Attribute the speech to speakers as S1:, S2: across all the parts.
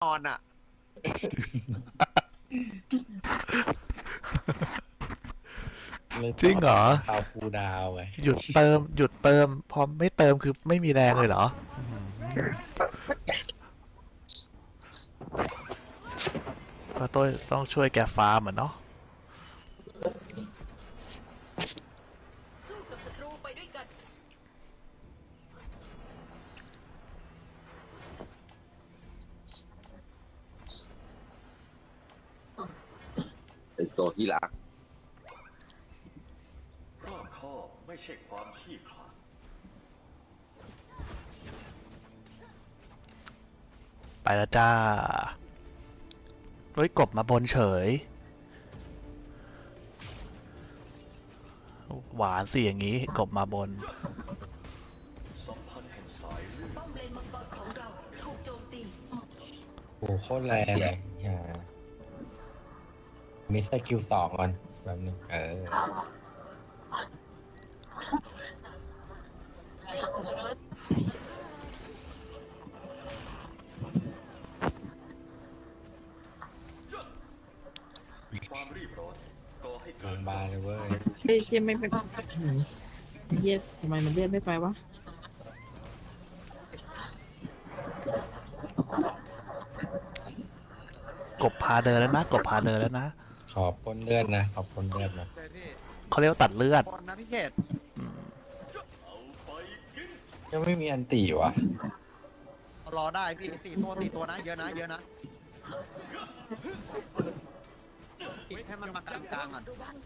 S1: นอนอ่ะ
S2: จริงเหรอ
S3: เอาคูดาวไง
S2: หยุดเติมพอไม่เติมคือไม่มีแรงเลยเหรอก็ต้องช่วยแกฟาร์มเหมือนเนาะ
S4: สู้กับศัตรูไปด้วยกัน
S1: เป็นโซที่รัก
S5: รอบคอบไม่ใช่ความขี้ขลาด
S2: ไปแล้วจ้าเฮ้ยกบมาบนเฉยหวานสิอย่างนี้กบมาบน
S5: สัมพันธ์แห่งสายเลือด
S4: ป้อมเลนมังกรของเราถูกโจมตี
S3: โอ้โหโคตรแรงเลยมีสกิลสองก่อนแบบนึง
S5: ความรีบร้อนก่อให้
S3: โร
S5: เกิด
S3: งพยาบาลเลยเว้ย
S6: เฮ้ยเชี่ยไม่ไปเฮียทำไมมันเลื่อนไม่ไปวะ
S2: กบพาเดินแล้วนะกบพาเดินแล้วนะ
S3: ขอบปนเลือดนะขอบปนเลือดนะ
S2: เขาเรียกว่าตัดเลือด
S1: คนนะพี่เขต
S5: เอาไปกิน
S3: ยังไม่มีอันตีวะ
S1: รอได้พี่สี่ตัวนะเยอะนะให้มันมากลางๆก่อน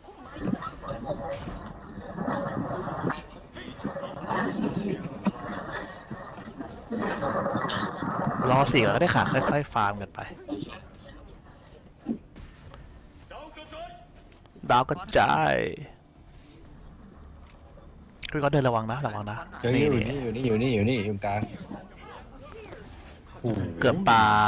S2: รอสี่ก็ได้ค่ะค่อยๆฟาร์มกันไป
S5: ดาวกระจาย
S2: ดาวกระจายพี่ก็เดินระวังนะ
S3: เฮ้ยอยู่นี่อยู่กลางโอ้โห
S2: เกือบตาย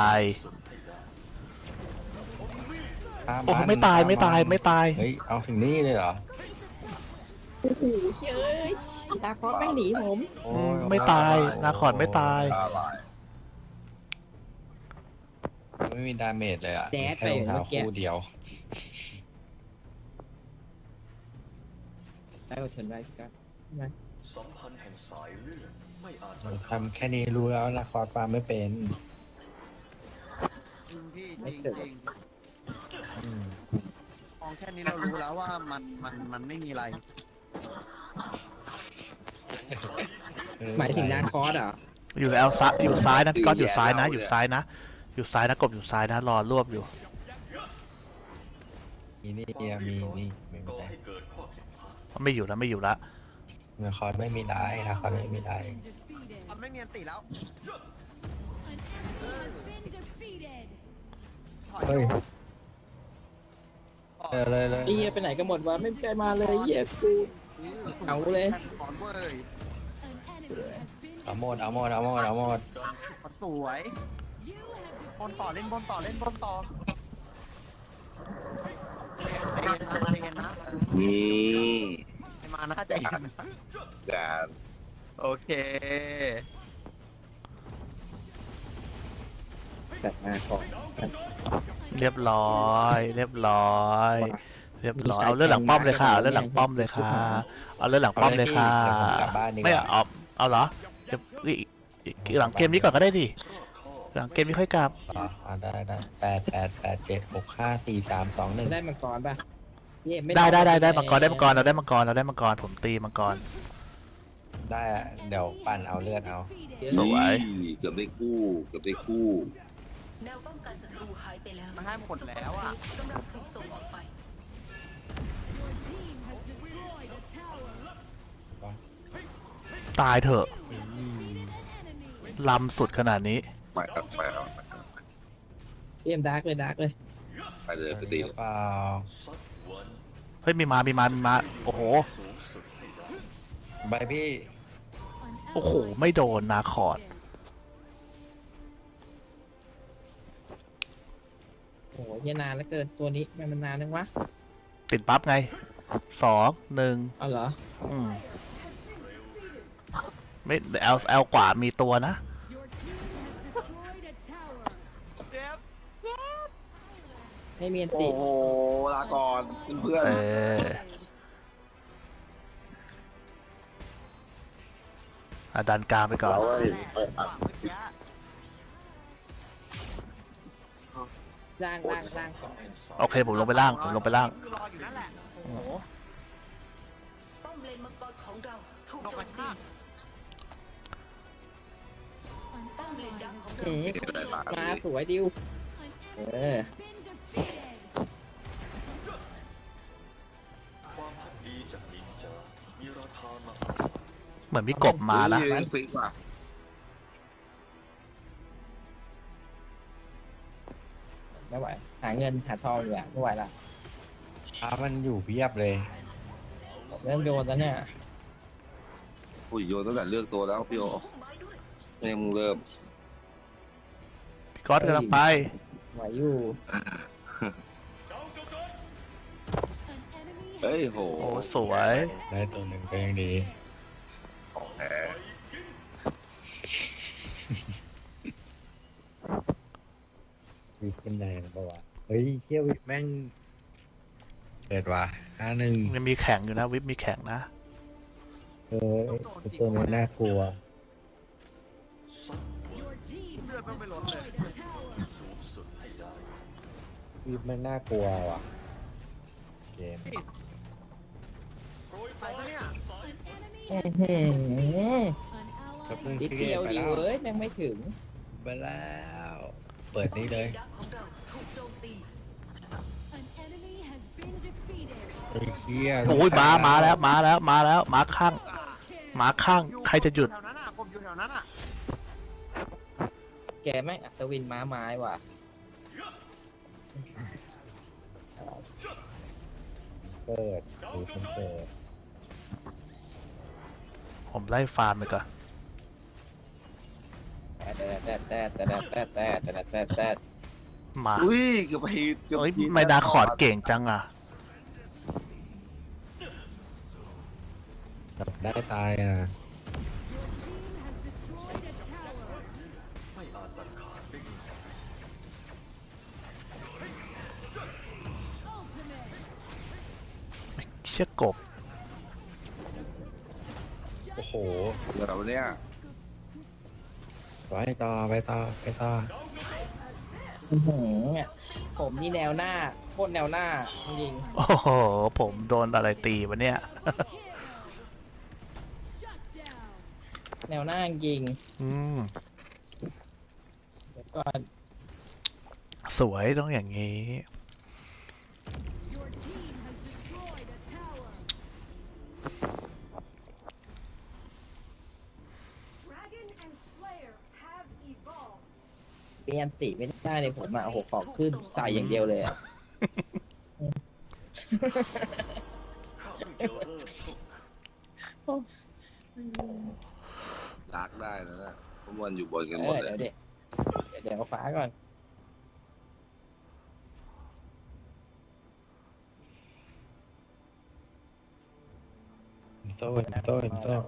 S3: ฆ่า
S2: โอ้โหไม่ตาย
S3: เฮ้ยเอาถึงนี่เลยเหรอ
S6: โอ้โหเฮ้ยตาคอสแม่งหนีผม
S3: โอ้
S2: ไม่ตายนาคอนไม่ตาย
S3: ไม่มีดาเมจเลยอ่ะ
S6: แดด
S3: แค่
S6: ไป
S3: รองเท้า
S6: เมื่อกี้
S3: คู่เดียว
S6: ได้ก็ชนได้ครับ
S5: สัมพันธ์แห่งสายเลือดไม่อาจ
S3: มันทำแค่นี้รู้แล้วนะคอร์สฟาร์มไม่เป็น
S1: จริงพี่จริง
S3: อืม
S1: มองแค่นี้เรารู้แล้วว่ามันไม่มีอะไร
S6: หมายถึงนาคอสเหรอ
S2: อยู่แอลซ้ายอยู่ซ้ายนะพี่ก๊อตอยู่ซ้ายนะอยู่ซ้ายนะกบอยู่ซ้ายนะรอรวบอยู่
S3: มีนี่มีนี่ไม่
S5: ก่อ
S3: ได้
S5: ให้เกิดข้อผิดพลาด
S2: ไม่อยู่แล้ว
S3: นะคอร์สไม่มีได้นะคอร์สไม่มีได้
S1: มันไม่มีอันติแล้วถอย
S3: เฮ้ย
S1: ถอย
S3: เลย
S6: ไอ้เฮียไปไหนกันหมดวะไม่มีใครมาเลยเฮียกูเอาเลย
S1: ถอนเว้ย
S3: เอาหมด
S1: มันสวยบนต่อเล่นบนต่อใจเย็นนะไม่มานะใจเย็นนะโอเค
S6: สัตว์นาคอส
S2: เรียบร้อยเอาเลือดหลังป้อมเลยค่ะเอาเลือดหลังป้อมเลยค่ะไม่เอาเหรอเดี๋ยวหลังเกมนี้ก่อนก็ได้ดิหลังเกมนี้ค่อยกลับ
S3: ได้8 7 6 5 4 3 2 1
S6: ได้มังกรป่ะเฮียไม่
S2: ได้มังกรเราได้มังกรผมตีมังกร
S3: ได้เดี๋ยวปั่นเอาเลือดเอา
S2: สวย
S7: เกือบได้คู่
S4: แนวป้องกันศัตรูหายไปแล้ว
S1: มันให้หมดแล้วอ่ะ
S4: กำลังถูกส่งออกไป
S2: ตายเถอะลำสุดขนาดนี้
S7: ไปเอา
S6: เฮียดาร์กเลย
S7: ไปเลยไปตี
S3: หรือเปล่า
S5: สักวัน
S2: เฮ้ยมีมาโอ้โห
S5: สูงสุดให้ได้
S3: ใบพี่
S2: โอ้โหไม่โดนนาคอร์ด
S6: โอ้โหเฮียนานแล้วเกินตัวนี้มันนานนึงวะ
S2: ติดปั๊บไง2 1
S6: เอาเหรอ
S2: ไม่แอลกว่ามีตัวนะ
S6: ไม่มีอัน
S7: โอ้
S6: ติ
S7: โหลาก่อนเพื่อน
S2: เอออ่ะดันกลางไปก่อน
S7: เราเห็น
S6: ล่างล่างล่าง
S2: โอเคผมลงไปล่างผมลงไปล่าง
S1: รออยู่นั่นแหละโอ้โห
S4: ป้อมเลนมังกรของเราถูก
S1: ตก
S4: โจ
S1: กระ
S4: มตี
S1: ชาก
S4: ป้อมเลนดังของเรา
S6: เอ๊ะ
S7: ได้ปาก
S6: มาสวยดิวเออ
S5: ความพักดีจากนินจามีราคามหาศาล
S2: เหมือนมีกบมานะ
S7: ฟิกว่ะ
S6: ไม่ไหวหาเงินหาทองอยู่ไม่ไหวละ
S3: มันอยู่เพียบเลย
S6: เริ่มโดนแล้วเนี่ย
S7: อุ้ยโยนตั้งแต่เลือกตัวแล้วพี่โอ
S4: พุ่มไม้ด้วย
S7: ไม่มึงเริ่ม
S2: พี่ก๊อตกำลังไป
S6: ไหวอยู่
S7: เฮ้ยโห
S2: โอ้สวย
S3: ได้ตัวหนึ่งก็ยังดี
S7: ของแท้
S3: วิปเป็นไงนะปะวะเฮ้ยเที่ยววิปแม่งเด็ดว่ะ51
S2: ยังมีแข่งอยู่นะวิปมีแข่งนะ
S3: เออไอ้ตัวนี้น่ากลัว
S1: เลือดต้องไปลดเลย
S5: สูงสุดให้ได้
S3: วิปมันน่ากลัวว่ะเกม
S1: ไปปะเนี่ย
S6: นิดเดียวดิเว้ยแม่งไม่ถึง
S3: ไปแล้วเปิดนี่เลย
S4: ดังของเราถูกโจมตี
S3: ไอ้เหี้ย
S2: โอ้ยมาแล้วมาแล้วมาแล้วมาข้างมาข้างใครจะหยุด
S1: แถวนั้นอ่ะกบอยู่แถวนั้นอ่ะ
S6: แกแม่งอัศวินม้าไม้ว่ะ
S3: เปิดดูคนเปิด
S2: ผมไล่ฟาร์มไปก่อน
S6: แต่
S2: มา
S7: อุ้ยเกือบไปเกือบ
S2: เอ้ยไม่ดาคอร์ดเก่งจังอ่ะ
S3: จับได้ตายอ่ะ
S5: ไม่อาจตัดขาดได้ง่าย
S2: เชี่ยกบ
S3: โอ้โห
S7: เดี๋ยวเนี่ย
S3: ไปต่อไปต่อไปต่อ
S6: ผมนี่แนวหน้าโคตรแนวหน้าจริง
S2: โอ้โหผมโดนอะไรตีวะเนี่ย
S6: แนวหน้าจริง
S2: อืม
S6: ก็
S2: สวยต้องอย่างนี้
S6: เปลี่ยนติไม่ได้เลยผมอ่ะโอ้โหขอขึ้นใส่อย่างเดียวเลยอ่ะ
S5: ข้าเพิ่งจะเริ่มต้น
S7: ดักได้แล้วนะเพราะมันอยู่บนกัน
S6: เอ
S7: หมด
S6: อ
S7: เลย
S6: เดี๋ยวเอาฟ้าก่อน
S3: โต้โต้โต้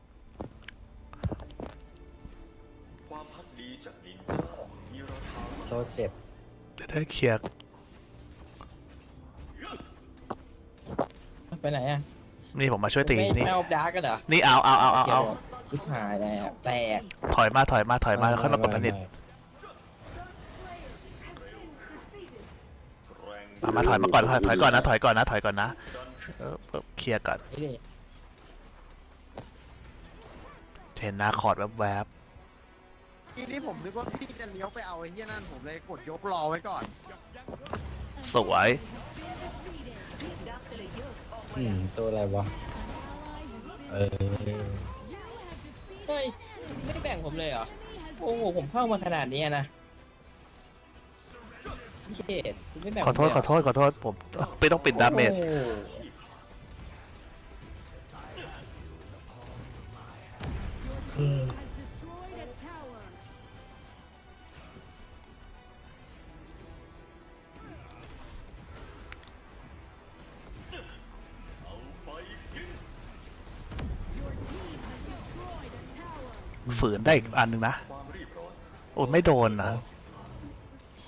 S5: ความพักดีจากนินจามีราคามหา
S3: โต้เจ็บ
S2: จะได้เคลียร์
S6: ไปไหนอ่ะ
S2: นี่ผมมาช่วยตี
S6: ไม่
S2: นี่
S6: เอาดาร์กกันเหรอ
S2: นี่เอา
S6: ชิบหายแล้วแตก
S2: ถอยมาแล้วค่อยมากดผนิต
S5: แรง
S2: มาถอยมาก่อนถอยก่อนนะเคลียร์ก่อน
S6: นี่ดิ
S2: เห็นนาคอร์ดแวบ
S1: ทีนี้ผมนึกว่าพี่จะเลี้ยวไปเอาไอ้เหี้ยนั่นผมเลยกดยกรอไว้ก่อน
S2: ๆสวย
S4: ดักเลเยอร์ออกมา
S3: ตัวอะไรวะเออ
S6: เฮ้ยไม่ได้แบ่งผมเลยเหรอโอ้โหผมเข้ามาขนาดนี้นะพี่เกดคุณไม่แบ่ง
S2: ขอโทษผมไม่ต้องปิดดาเมจ
S6: โอ้โห
S2: ฝืนได้อีกอันหนึ่งนะ
S5: ความรีบร้อน
S2: โอ้ไม่โดนนะ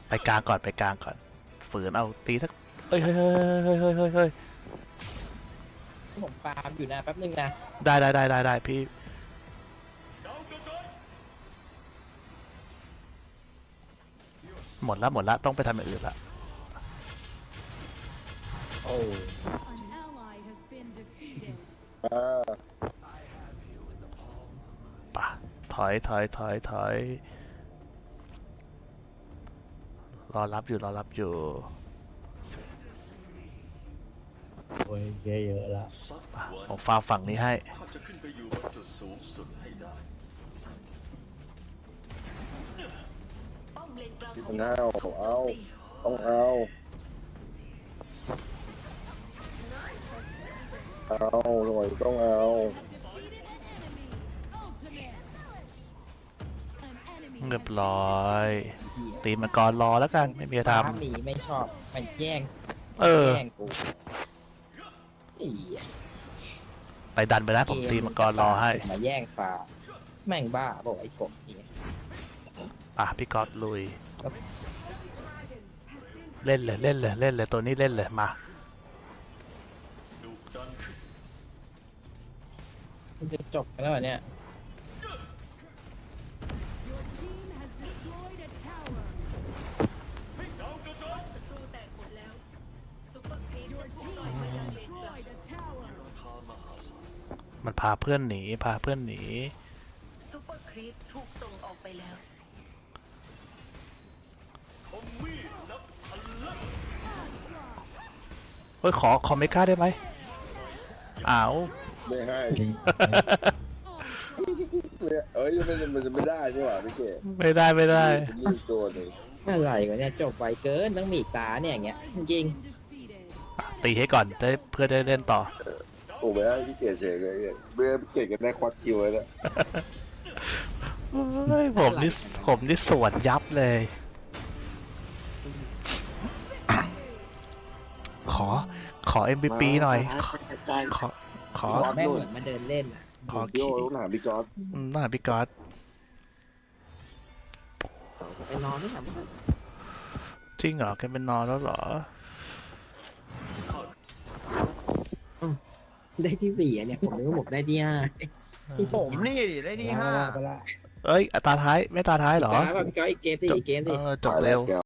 S2: ไปกลางก่อนไปกลางก่อนฝืนเอาตีสักเฮ้ยเฮ้ยเฮ้ยเฮ้ยเฮ้ยเฮ้ย
S6: ผมฟาร์มอยู่นะแป๊บนึงนะ
S2: ได้พี่หมดละต้องไปทำอย่างอื่นละ
S6: โอ้
S2: ป่ะถอยรอรับอยู่
S3: โอ้ยเหี้ยเยอะละ
S5: สัก
S2: ป่ะ
S5: วัน
S2: ผมฟาร์มฝั่งนี้ให้
S5: ข้าจะขึ้นไปอยู่บนจุดสูงสุดให้ได้
S4: ป้อมเลนกลาง
S7: ต้องเอาหน่อยต้องเอา
S2: เรียบร้อยตีมังกรรอแล้วกันไม่มีอะไร
S6: ฟา
S2: ท
S6: ร์มหนีไม่ชอบมันแย่ง
S2: ำ
S6: แย่งกูไอ้เหี้ย
S2: ไปดันไปนะผมตีมังกรรอให้
S6: มาแย่งฟาร์มแม่งบ้าบอกไอ้กบนี่
S2: ป่ะพี่ก๊อตลุยเล่นเลยตัวนี้เล่นเลยมา
S5: ดุดันขึ้น
S6: มันจะจบกันแล้วเหรอเนี่ย
S4: ศัตรูแตกหมดแล้วซุปเปอร์ครีปจะถูกปล่อยมายังเลนกลาง
S5: ราคามหาศาล
S2: มันพาเพื่อนหนี
S4: ซุปเปอร์ครีปถูกส่งออกไปแล้ว
S5: คมมีดนับพันเล่ม
S2: เฮ้ยขอเมกาได้ไหมอ้าว
S7: ไม่ให้เอ้ยมันจะไม่ได้นี่หว่าพี่เก๋
S2: ไม่ได้
S7: นี่ตัวหนึ่ง
S6: อะไรวะเนี่ยจบไวเกินต้องมีอีกตาเนี่ยอย่างเงี้ยจริง
S2: ตีให้ก่อนเพื่อได้เล่นต่อ
S7: โอ้ไม่ให้พี่เก๋เฉยเลยเบื่อพี่เก๋กันได้ควัดคิวเลยนะ
S2: เฮ้ยผมนี่สวนยับเลย ขอ MVP หน่อย ขอ
S6: ๆแม่งเหมือนมาเดินเล่นอะ
S2: ขอ
S7: พี่
S2: ขี้
S7: โอ้ต้องถามพี่ก๊อต
S2: น่าพี่ก๊อต
S6: ไปนอนไม่ทำ
S2: จริงเหรอแกเป็นนอนแล้วเหรอ
S6: ได้ที่สี่อะเนี่ยผมนึกว่าผมได้ที่ห้า
S1: ผมนี่ได้ที่ 5
S3: ไปละ
S2: เอ้ยตาท้ายไม่ตาท้ายเหรอ
S6: ตาแบบพี่ก้อยอีกเกมสิอีกเกมสิ
S2: จบเร็ว
S7: แก้ว